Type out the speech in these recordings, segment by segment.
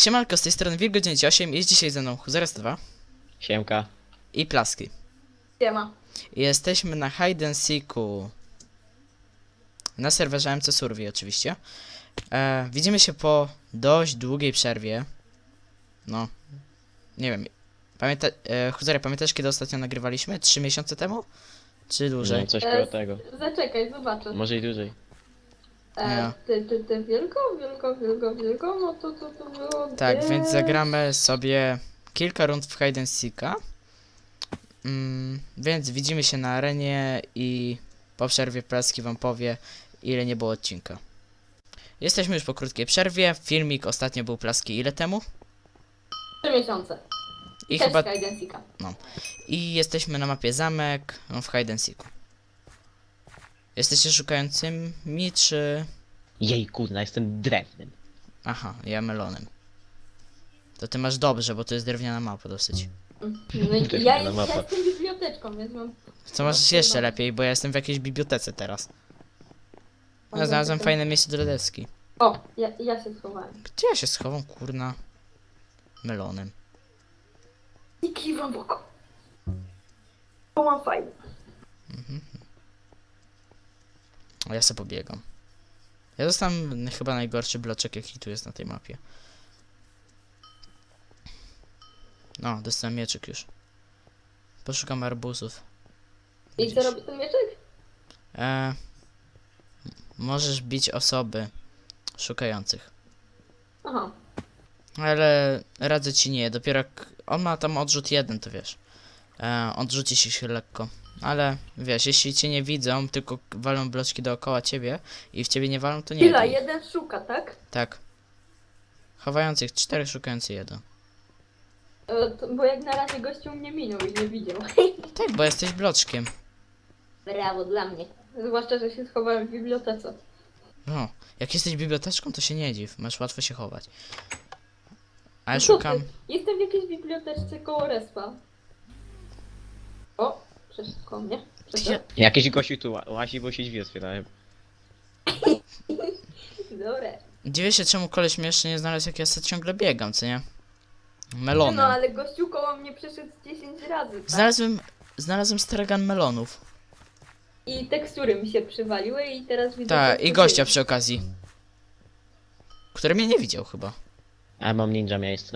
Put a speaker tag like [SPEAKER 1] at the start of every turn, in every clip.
[SPEAKER 1] Siemanko, z tej strony Wilgo98, jest dzisiaj ze mną Huzeres 2
[SPEAKER 2] Siemka.
[SPEAKER 1] i Plaski.
[SPEAKER 3] Siema.
[SPEAKER 1] I jesteśmy na Hide and Seeku. Na serwerze MC Survey oczywiście. Widzimy się po dość długiej przerwie. No, nie wiem. Huzere, pamiętasz kiedy ostatnio nagrywaliśmy? 3 miesiące temu? Czy dłużej?
[SPEAKER 2] No, coś koło tego.
[SPEAKER 3] Zaczekaj, zobaczę.
[SPEAKER 2] Może i dłużej.
[SPEAKER 1] Nie.
[SPEAKER 3] Ty wielko, no to było
[SPEAKER 1] Tak,
[SPEAKER 3] gdzieś...
[SPEAKER 1] więc zagramy sobie kilka rund w Hide and Seeka. Więc widzimy się na arenie i po przerwie Plaski wam powie, ile nie było odcinka. Jesteśmy już po krótkiej przerwie. Filmik ostatnio był Plaski ile temu?
[SPEAKER 3] 3 miesiące.
[SPEAKER 1] I
[SPEAKER 3] Też
[SPEAKER 1] chyba...
[SPEAKER 3] Hide and Seeka.
[SPEAKER 1] I jesteśmy na mapie zamek w Hide and Seeku. Jesteście szukającymi, czy...
[SPEAKER 2] Jej kurna, jestem drewnem.
[SPEAKER 1] Aha, ja melonem. To ty masz dobrze, bo to jest drewniana mapa dosyć.
[SPEAKER 3] No i
[SPEAKER 2] Też
[SPEAKER 3] ja
[SPEAKER 2] fajna mapa.
[SPEAKER 3] jestem biblioteczką, więc mam...
[SPEAKER 1] Co masz jeszcze lepiej, bo ja jestem w jakiejś bibliotece teraz. Ja znalazłem fajne miejsce do deski.
[SPEAKER 3] O, ja się schowałem.
[SPEAKER 1] Gdzie ja się schowam, kurna? Melonem.
[SPEAKER 3] I kiwam w oko. Bo mam fajne.
[SPEAKER 1] A ja sobie pobiegam. Ja dostałem chyba najgorszy bloczek, jaki tu jest na tej mapie. No, dostałem mieczyk już. Poszukam arbuzów.
[SPEAKER 3] I
[SPEAKER 1] Gdzieś.
[SPEAKER 3] co robi ten mieczek?
[SPEAKER 1] Możesz bić osoby szukających.
[SPEAKER 3] Aha.
[SPEAKER 1] Ale radzę ci nie, dopiero jak on ma tam odrzut jeden, to wiesz. Odrzuci się lekko. Ale wiesz, jeśli cię nie widzą, tylko walą bloczki dookoła ciebie i w ciebie nie walą, to nie.
[SPEAKER 3] Chwila,
[SPEAKER 1] to-
[SPEAKER 3] jeden szuka, tak?
[SPEAKER 1] Tak. Chowających 4, szukający 1.
[SPEAKER 3] Bo jak na razie gościu mnie minął i nie widział.
[SPEAKER 1] Tak, bo jesteś bloczkiem.
[SPEAKER 3] Brawo dla mnie. Zwłaszcza, że się schowałem w bibliotece.
[SPEAKER 1] No, jak jesteś biblioteczką, to się nie dziw, masz łatwo się chować. Ale
[SPEAKER 3] No co
[SPEAKER 1] szukam.
[SPEAKER 3] ty? Jestem w jakiejś biblioteczce koło respa. O, przeszedł koło mnie.
[SPEAKER 1] Ja...
[SPEAKER 2] Jakiś gościu tu łazi, bo się drzwi otwierają.
[SPEAKER 3] Dobre.
[SPEAKER 1] Dziwię się, czemu koleś mnie jeszcze nie znalazł, jak ja sobie ciągle biegam, co nie?
[SPEAKER 3] No
[SPEAKER 1] Melonem.
[SPEAKER 3] ale gościu koło mnie przeszedł 10 razy, tak?
[SPEAKER 1] Znalazłem stragan melonów.
[SPEAKER 3] I tekstury mi się przywaliły i teraz widzę...
[SPEAKER 1] Tak,
[SPEAKER 3] co
[SPEAKER 1] i
[SPEAKER 3] to
[SPEAKER 1] gościa
[SPEAKER 3] jest.
[SPEAKER 1] przy okazji. Który mnie nie widział chyba.
[SPEAKER 2] A mam ninja miejsce.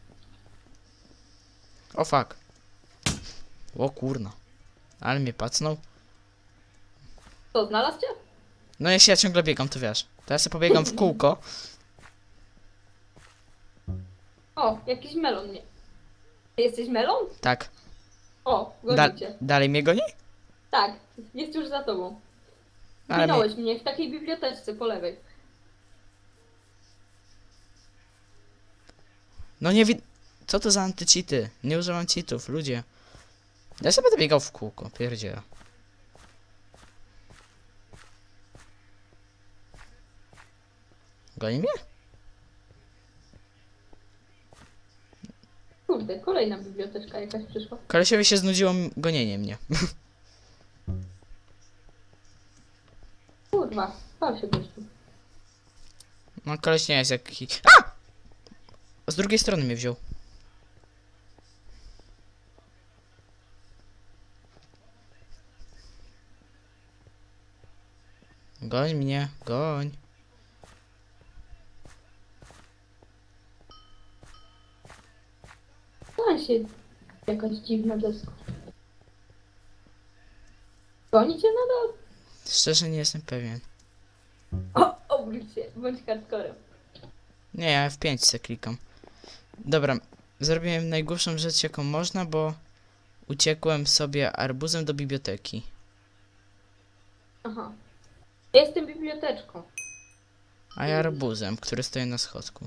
[SPEAKER 1] O fuck. O kurna. Ale mnie pacnął.
[SPEAKER 3] Co, znalazł cię?
[SPEAKER 1] No jeśli ja ciągle biegam, to wiesz. To ja sobie pobiegam w kółko.
[SPEAKER 3] O, jakiś melon mnie. Ty jesteś melon?
[SPEAKER 1] Tak.
[SPEAKER 3] O,
[SPEAKER 1] Da
[SPEAKER 3] goni cię.
[SPEAKER 1] dalej mnie goni?
[SPEAKER 3] Tak, jest już za tobą.
[SPEAKER 1] Ale mnie...
[SPEAKER 3] Minąłeś mnie w takiej biblioteczce po lewej.
[SPEAKER 1] No nie wid... Co to za antycheaty? Nie używam cheatów, ludzie. Ja sobie będę biegał w kółko, pierdziela. Goni mnie?
[SPEAKER 3] Kurde, kolejna biblioteczka jakaś przyszła.
[SPEAKER 1] Kolesiowi się znudziło gonienie mnie.
[SPEAKER 3] Kurwa, pal się gościu.
[SPEAKER 1] No koleś nie jest jaki... A! Z drugiej strony mnie wziął. Goń mnie, goń.
[SPEAKER 3] Pal się jakaś dziwna deska. Goni cię nadal?
[SPEAKER 1] Szczerze nie jestem pewien.
[SPEAKER 3] O, obróć się, bądź hardcorem.
[SPEAKER 1] Nie, ja F5 se klikam. Dobra, zrobiłem najgłupszą rzecz jaką można, bo uciekłem sobie arbuzem do biblioteki.
[SPEAKER 3] Aha. Ja jestem biblioteczką.
[SPEAKER 1] A ja arbuzem, który stoi na schodku.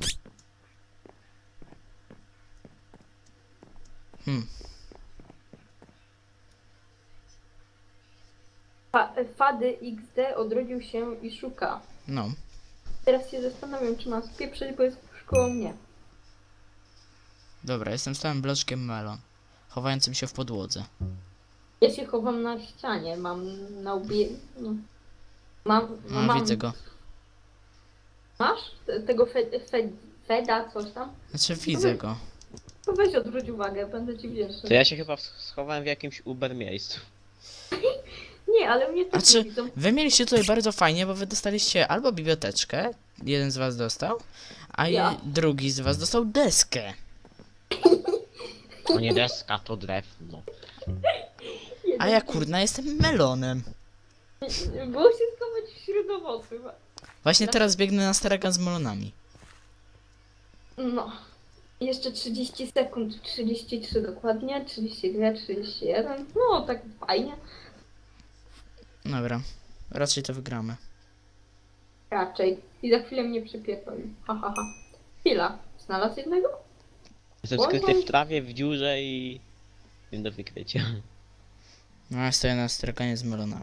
[SPEAKER 3] Fady XD odrodził się i szuka.
[SPEAKER 1] No.
[SPEAKER 3] Teraz się zastanawiam, czy mam spieprzyć, bo jest już koło mnie.
[SPEAKER 1] Dobra, jestem stałym bloczkiem melon, chowającym się w podłodze.
[SPEAKER 3] Ja się chowam na ścianie, mam na łbie... No. Mam...
[SPEAKER 1] No,
[SPEAKER 3] mam...
[SPEAKER 1] widzę go.
[SPEAKER 3] Masz? Tego Feda, coś tam.
[SPEAKER 1] Znaczy widzę go.
[SPEAKER 3] To weź odwróć uwagę, będę ci wdzięczny.
[SPEAKER 2] To ja się chyba schowałem w jakimś Uber miejscu.
[SPEAKER 3] Nie, ale mnie też nie
[SPEAKER 1] Znaczy,
[SPEAKER 3] widzą.
[SPEAKER 1] wy mieliście tutaj bardzo fajnie, bo wy dostaliście albo biblioteczkę, jeden z was dostał, a
[SPEAKER 3] Ja.
[SPEAKER 1] drugi z was dostał deskę.
[SPEAKER 2] To nie deska, to drewno.
[SPEAKER 1] A ja kurna jestem melonem.
[SPEAKER 3] Było się schować wśród owoców.
[SPEAKER 1] Właśnie teraz biegnę na stragan z melonami.
[SPEAKER 3] No. Jeszcze 30 sekund, 33 dokładnie, 32, 31. No, tak fajnie.
[SPEAKER 1] Dobra, raczej to wygramy.
[SPEAKER 3] Raczej. I za chwilę mnie przypiekł. Ha, ha, ha. Chwila. Znalazł jednego?
[SPEAKER 2] Jestem skryty w trawie, w dziurze i... Nie do wykrycia.
[SPEAKER 1] No ja stoję na straganie z melonami.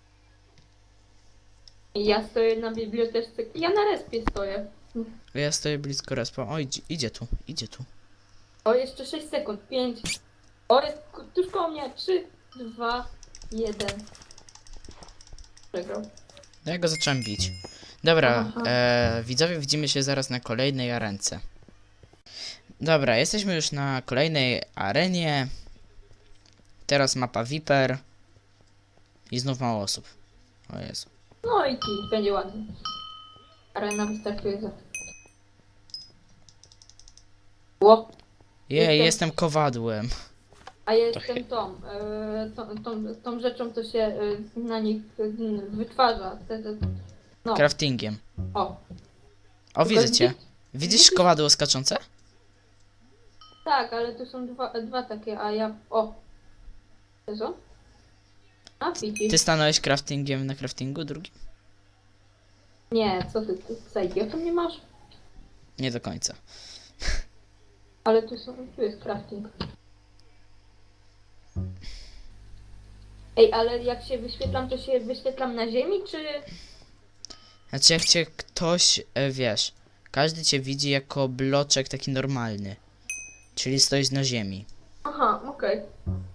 [SPEAKER 3] I ja stoję na bibliotece. Ja na respie stoję.
[SPEAKER 1] Ja stoję blisko respa. O, idzie tu, idzie tu.
[SPEAKER 3] O, jeszcze 6 sekund. 5. O, jest tuż koło mnie. 3, 2, 1. Przegrał.
[SPEAKER 1] Ja go zacząłem bić. Dobra,
[SPEAKER 3] Aha.
[SPEAKER 1] widzowie, widzimy się zaraz na kolejnej arence. Dobra, jesteśmy już na kolejnej arenie. Teraz mapa Viper. I znów mało osób. O Jezu.
[SPEAKER 3] No i kij, będzie ładnie. Arena wystartuje za. Ło.
[SPEAKER 1] Jej,
[SPEAKER 3] Jestem-
[SPEAKER 1] jestem kowadłem.
[SPEAKER 3] A ja jestem tą rzeczą, co się na nich wytwarza. No,
[SPEAKER 1] Craftingiem.
[SPEAKER 3] o.
[SPEAKER 1] O, widzę cię.
[SPEAKER 3] Tylko
[SPEAKER 1] Widzisz kowadło skaczące?
[SPEAKER 3] Tak, ale tu są dwa takie, a ja... O. Co? A, widzisz.
[SPEAKER 1] Ty stanąłeś craftingiem na craftingu drugim?
[SPEAKER 3] Nie, co ty za idiotą nie masz?
[SPEAKER 1] Nie do końca.
[SPEAKER 3] Ale tu jest crafting. Ej, ale jak się wyświetlam, to się wyświetlam na ziemi, czy...
[SPEAKER 1] Znaczy jak cię ktoś, wiesz, każdy cię widzi jako bloczek taki normalny. Czyli stoisz na ziemi.
[SPEAKER 3] Aha, okej.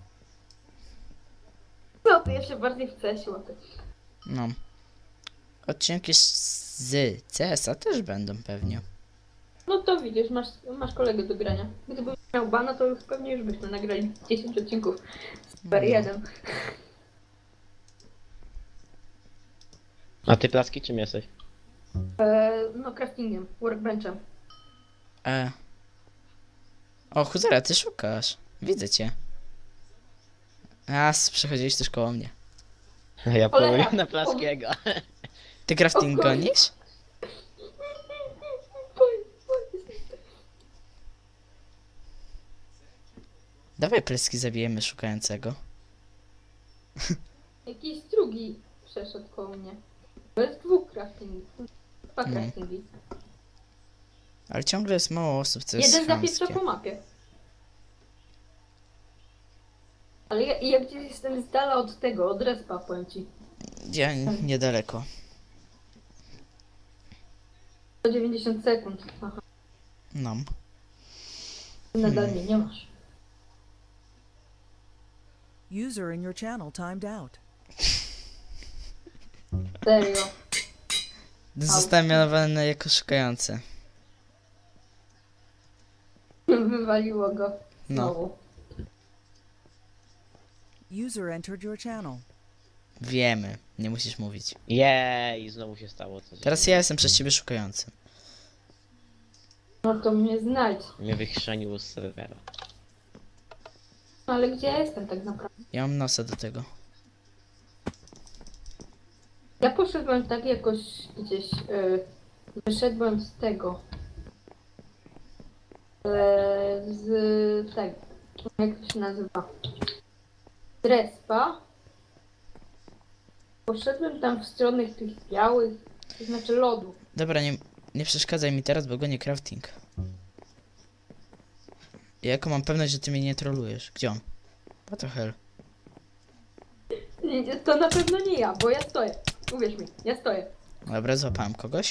[SPEAKER 3] No, to ja się bardziej w CS łapę.
[SPEAKER 1] No. Odcinki z CS-a też będą pewnie.
[SPEAKER 3] No to widzisz, masz kolegę do grania. Gdybym miał bana, to już pewnie już byśmy nagrali 10 odcinków. Super,
[SPEAKER 1] No.
[SPEAKER 3] 1.
[SPEAKER 2] A ty Plaski czym jesteś?
[SPEAKER 3] No, craftingiem, workbenchem.
[SPEAKER 1] O, Huzera, ty szukasz. Widzę cię. A, przechodziłeś też koło mnie.
[SPEAKER 2] Ja
[SPEAKER 3] Cholera.
[SPEAKER 2] poluję na Plaskiego.
[SPEAKER 1] Ty crafting
[SPEAKER 3] O Boże.
[SPEAKER 1] gonisz? Dawaj pleski zabijemy szukającego.
[SPEAKER 3] Jakiś drugi przeszedł koło mnie. To jest dwóch craftingów. Dwa
[SPEAKER 1] No.
[SPEAKER 3] craftingi.
[SPEAKER 1] Ale ciągle jest mało osób, co jest
[SPEAKER 3] Jeden zapieprza
[SPEAKER 1] chamskie.
[SPEAKER 3] po mapie. Ale ja gdzieś jestem z dala od tego, od respa, powiem ci.
[SPEAKER 1] Ja niedaleko.
[SPEAKER 3] 190 sekund. Aha,
[SPEAKER 1] No.
[SPEAKER 3] nadal mnie nie masz.
[SPEAKER 4] User in your channel timed out.
[SPEAKER 3] Serio.
[SPEAKER 1] Zostałem mianowany jako szukający.
[SPEAKER 3] Wywaliło go.
[SPEAKER 1] No.
[SPEAKER 3] Znowu.
[SPEAKER 4] User entered your channel.
[SPEAKER 1] Wiemy, nie musisz mówić.
[SPEAKER 2] Jej, znowu się stało coś.
[SPEAKER 1] Teraz ja jestem przez ciebie szukającym.
[SPEAKER 3] No to mnie znajdź.
[SPEAKER 2] Mnie wychrzaniło z serwera.
[SPEAKER 3] No ale gdzie ja jestem tak naprawdę?
[SPEAKER 1] Ja mam nosa do tego.
[SPEAKER 3] Ja poszedłem tak jakoś gdzieś, wyszedłem z tego, z tego, jak to się nazywa, z respa. Poszedłem tam w stronę tych białych, to znaczy lodu.
[SPEAKER 1] Dobra, nie przeszkadzaj mi teraz, bo gonię crafting. Ja jako mam pewność, że ty mnie nie trolujesz. Gdzie on? What the hell?
[SPEAKER 3] To na pewno nie ja, bo ja stoję. Uwierz mi, ja stoję.
[SPEAKER 1] Dobra, złapałem kogoś.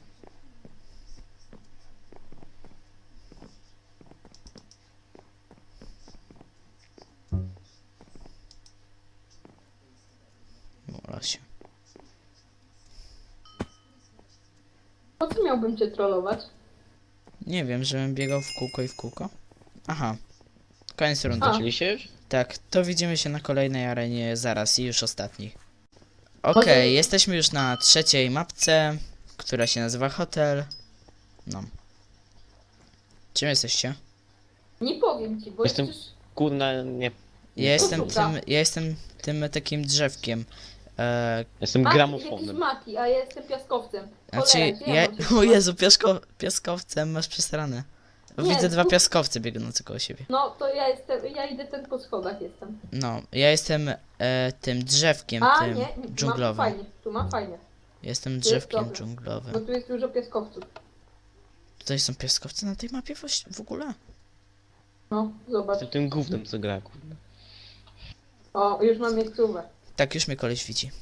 [SPEAKER 1] Mola się.
[SPEAKER 3] Po co miałbym cię trollować?
[SPEAKER 1] Nie wiem, żebym biegał w kółko i w kółko. Aha. Koniec rundy.
[SPEAKER 3] A.
[SPEAKER 2] Czyli się już?
[SPEAKER 1] Tak, to widzimy się na kolejnej arenie zaraz i już ostatniej. Okej, jesteśmy już na trzeciej mapce, która się nazywa Hotel. No. Czym jesteście?
[SPEAKER 3] Nie powiem ci, bo
[SPEAKER 2] Jestem-
[SPEAKER 3] przecież...
[SPEAKER 2] Kurna, nie.
[SPEAKER 1] Ja jestem tym takim drzewkiem.
[SPEAKER 2] Jestem
[SPEAKER 3] Jakiś
[SPEAKER 2] gramofonem.
[SPEAKER 3] Mati, a ja jestem piaskowcem.
[SPEAKER 1] Znaczy,
[SPEAKER 3] Cholera, gdzie
[SPEAKER 1] ja...
[SPEAKER 3] mam się
[SPEAKER 1] O Jezu, piaskowcem masz przesrane.
[SPEAKER 3] Nie,
[SPEAKER 1] Widzę dwa
[SPEAKER 3] tu-
[SPEAKER 1] piaskowce biegnące koło siebie.
[SPEAKER 3] No, to ja idę ten po schodach jestem.
[SPEAKER 1] No, ja jestem tym drzewkiem,
[SPEAKER 3] A,
[SPEAKER 1] tym
[SPEAKER 3] nie, mam
[SPEAKER 1] dżunglowym.
[SPEAKER 3] fajnie, tu mam fajnie.
[SPEAKER 1] Jestem
[SPEAKER 3] jest
[SPEAKER 1] drzewkiem
[SPEAKER 3] dobre.
[SPEAKER 1] dżunglowym.
[SPEAKER 3] Bo tu jest dużo piaskowców.
[SPEAKER 1] Tutaj są piaskowce na tej mapie w ogóle?
[SPEAKER 3] No, zobacz.
[SPEAKER 2] Jestem tym gównem, co gra, kurna.
[SPEAKER 3] O, już mam miejscówę.
[SPEAKER 1] Tak, już mnie koleś widzi.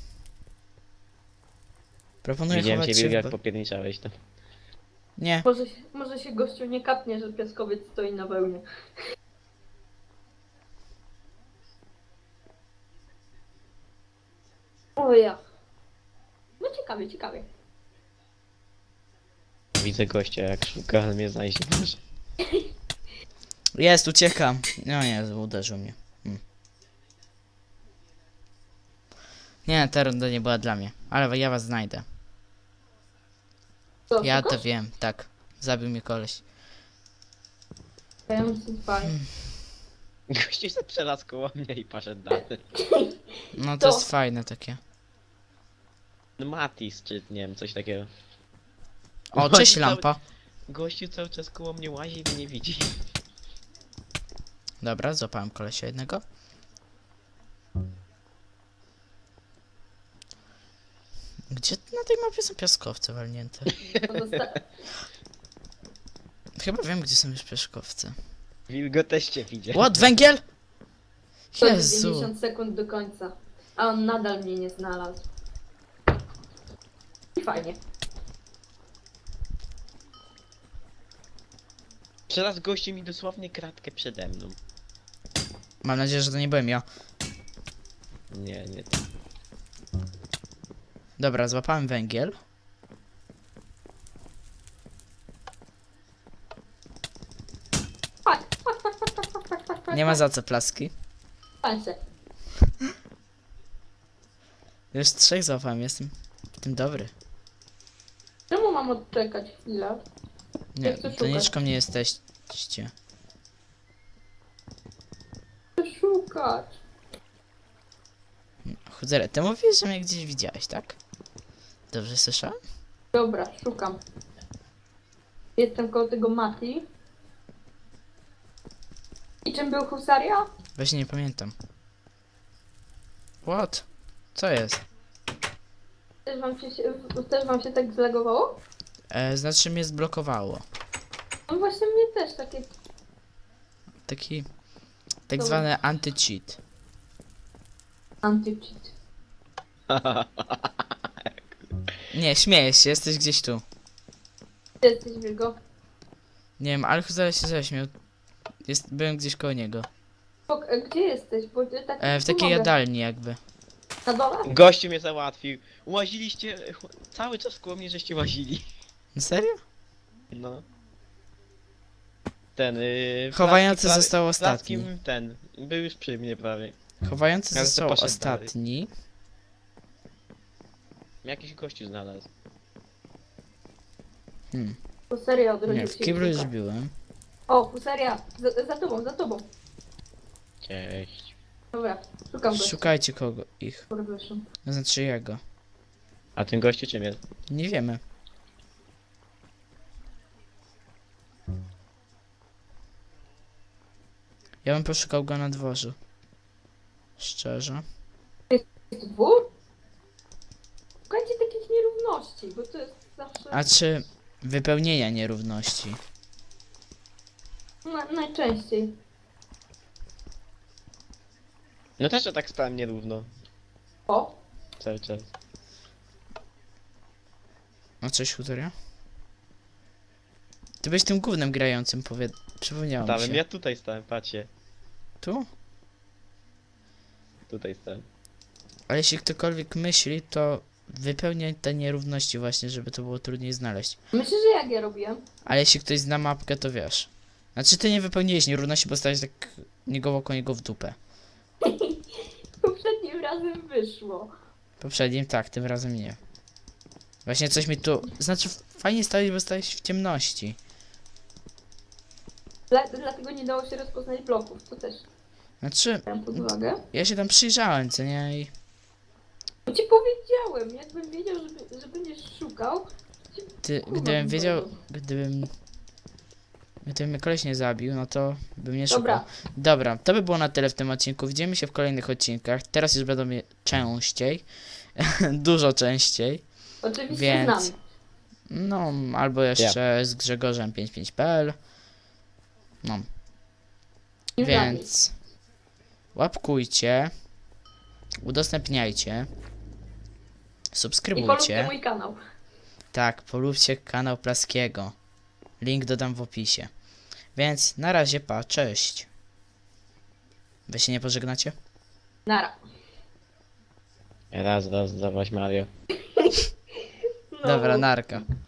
[SPEAKER 1] Proponuję
[SPEAKER 2] Widziałem
[SPEAKER 1] chować
[SPEAKER 2] ciebie,
[SPEAKER 1] się
[SPEAKER 2] jak
[SPEAKER 1] w...
[SPEAKER 2] popierniczałeś tam.
[SPEAKER 1] Nie,
[SPEAKER 3] Może się gościu nie kapnie, że piaskowiec stoi na wełnie. O ja. No ciekawie, ciekawie.
[SPEAKER 2] Widzę gościa, jak szuka, ale mnie znajdzie.
[SPEAKER 1] jest, uciekam. No nie, uderzył mnie. Nie, ta runda nie była dla mnie, ale ja was znajdę.
[SPEAKER 3] Co,
[SPEAKER 1] Ja
[SPEAKER 3] szukasz?
[SPEAKER 1] to wiem, tak. Zabił mnie koleś.
[SPEAKER 3] Ja mam fajnie.
[SPEAKER 2] Gościu się przelazł koło mnie i poszedł dalej.
[SPEAKER 1] No
[SPEAKER 3] To.
[SPEAKER 1] to jest fajne takie.
[SPEAKER 2] No Matis, czy nie wiem, coś takiego.
[SPEAKER 1] O, cześć lampa.
[SPEAKER 2] Gościu cały czas koło mnie łazi i mnie nie widzi.
[SPEAKER 1] Dobra, złapałem kolesia jednego. Gdzie na tej mapie są piaskowce walnięte?
[SPEAKER 3] No
[SPEAKER 1] Chyba wiem, gdzie są już piaskowce.
[SPEAKER 2] Wilgoteście widział.
[SPEAKER 1] What, węgiel?
[SPEAKER 3] To jest
[SPEAKER 1] Jezu.
[SPEAKER 3] 90 sekund do końca. A on nadal mnie nie znalazł. I fajnie.
[SPEAKER 2] Przelazł gościu mi dosłownie kratkę przede mną.
[SPEAKER 1] Mam nadzieję, że to nie byłem ja.
[SPEAKER 2] Nie, nie.
[SPEAKER 1] Dobra, złapałem węgiel.
[SPEAKER 3] Tak,
[SPEAKER 1] Nie ma za co plaski.
[SPEAKER 3] Patrzę.
[SPEAKER 1] Już 3 złapałem, jestem w tym dobry.
[SPEAKER 3] Czemu mam odczekać chwilę?
[SPEAKER 1] Nie,
[SPEAKER 3] chcę
[SPEAKER 1] to nie
[SPEAKER 3] szukać.
[SPEAKER 1] czko mnie jesteście.
[SPEAKER 3] Chcę szukać.
[SPEAKER 1] Chudzere, ty mówisz, że mnie gdzieś widziałeś, tak? Dobrze słyszałem?
[SPEAKER 3] Dobra, szukam. Jestem koło tego Mati. I czym był husaria?
[SPEAKER 1] Właśnie nie pamiętam. What? Co jest?
[SPEAKER 3] Też wam się tak zlegowało?
[SPEAKER 1] Znaczy mnie zblokowało.
[SPEAKER 3] No właśnie mnie też takie...
[SPEAKER 1] Taki... Tak
[SPEAKER 3] Dobra.
[SPEAKER 1] zwany anti-cheat.
[SPEAKER 3] Anti-cheat.
[SPEAKER 1] Nie, śmiejesz się, jesteś gdzieś tu.
[SPEAKER 3] Ty jesteś Wilgo.
[SPEAKER 1] Nie wiem, ale zaraz się zaśmiał. Byłem gdzieś koło niego.
[SPEAKER 3] Gdzie jesteś? Bo ty tak
[SPEAKER 1] W takiej jadalni jakby.
[SPEAKER 3] Na dole?
[SPEAKER 2] Gościu mnie załatwił. Łaziliście, cały czas koło mnie żeście łazili.
[SPEAKER 1] Serio?
[SPEAKER 2] No. Ten,
[SPEAKER 1] Chowający
[SPEAKER 2] Placki
[SPEAKER 1] został ostatni.
[SPEAKER 2] Plackiem ten, był już przy mnie prawie.
[SPEAKER 1] Chowający
[SPEAKER 2] Ale to
[SPEAKER 1] został
[SPEAKER 2] poszedł
[SPEAKER 1] ostatni.
[SPEAKER 2] Jakiś gościu znalazł.
[SPEAKER 3] Husaria odrodził
[SPEAKER 1] Nie, w
[SPEAKER 3] się.
[SPEAKER 1] kiblu
[SPEAKER 3] i
[SPEAKER 1] już
[SPEAKER 3] szuka.
[SPEAKER 1] byłem.
[SPEAKER 3] O, husaria! Za tobą, za tobą.
[SPEAKER 2] Cześć.
[SPEAKER 3] Dobra, szukam go.
[SPEAKER 1] Szukajcie kogo ich.
[SPEAKER 3] Przepraszam.
[SPEAKER 1] Znaczy jego.
[SPEAKER 2] A ten gościu czym jest?
[SPEAKER 1] Nie wiemy. Ja bym poszukał go na dworzu. Szczerze.
[SPEAKER 3] Jest dwór? Szukajcie takich nierówności, bo to jest zawsze...
[SPEAKER 1] A czy wypełnienia nierówności?
[SPEAKER 3] Najczęściej.
[SPEAKER 2] No też ja tak stałem nierówno.
[SPEAKER 3] O,
[SPEAKER 2] Cały czas.
[SPEAKER 1] O, cześć, Hutoria? Ty byłeś tym głównym grającym, przypomniało mi
[SPEAKER 2] Stałem,
[SPEAKER 1] się.
[SPEAKER 2] ja tutaj stałem, patrzcie.
[SPEAKER 1] Tu?
[SPEAKER 2] Tutaj stałem.
[SPEAKER 1] Ale jeśli ktokolwiek myśli, to wypełniać te nierówności właśnie, żeby to było trudniej znaleźć.
[SPEAKER 3] Myślę, że jak ja robiłem?
[SPEAKER 1] Ale jeśli ktoś zna mapkę, to wiesz. Znaczy ty nie wypełniłeś nierówności, bo stałeś tak niegowo koło niego w dupę.
[SPEAKER 3] Poprzednim razem wyszło.
[SPEAKER 1] Poprzednim tak, tym razem nie. Właśnie coś mi tu... Znaczy fajnie stałeś, bo stałeś w ciemności.
[SPEAKER 3] Dlatego nie dało się rozpoznać bloków, to też
[SPEAKER 1] Znaczy,
[SPEAKER 3] brałem pod uwagę.
[SPEAKER 1] ja się tam przyjrzałem, co nie? I...
[SPEAKER 3] Bo ci powiedziałem, jakbym wiedział, że będziesz szukał.
[SPEAKER 1] Ty,
[SPEAKER 3] Kurwa,
[SPEAKER 1] gdybym wiedział,
[SPEAKER 3] dobra.
[SPEAKER 1] gdybym mnie koleś nie zabił, no to bym nie szukał.
[SPEAKER 3] Dobra,
[SPEAKER 1] Dobra, to by było na tyle w tym odcinku. Widzimy się w kolejnych odcinkach. Teraz już będą je częściej. Dużo częściej.
[SPEAKER 3] oczywiście
[SPEAKER 1] Więc-
[SPEAKER 3] znam.
[SPEAKER 1] No, albo jeszcze z Grzegorzem 55.pl. No,
[SPEAKER 3] Nie
[SPEAKER 1] więc łapkujcie, udostępniajcie,
[SPEAKER 3] znam. I polubcie
[SPEAKER 1] subskrybujcie.
[SPEAKER 3] mój kanał.
[SPEAKER 1] Tak, polubcie kanał Plaskiego. Link dodam w opisie. Więc na razie, pa, cześć. Wy się nie pożegnacie?
[SPEAKER 3] Nara.
[SPEAKER 2] Raz, dawać Mario.
[SPEAKER 3] No.
[SPEAKER 1] Dobra, narka.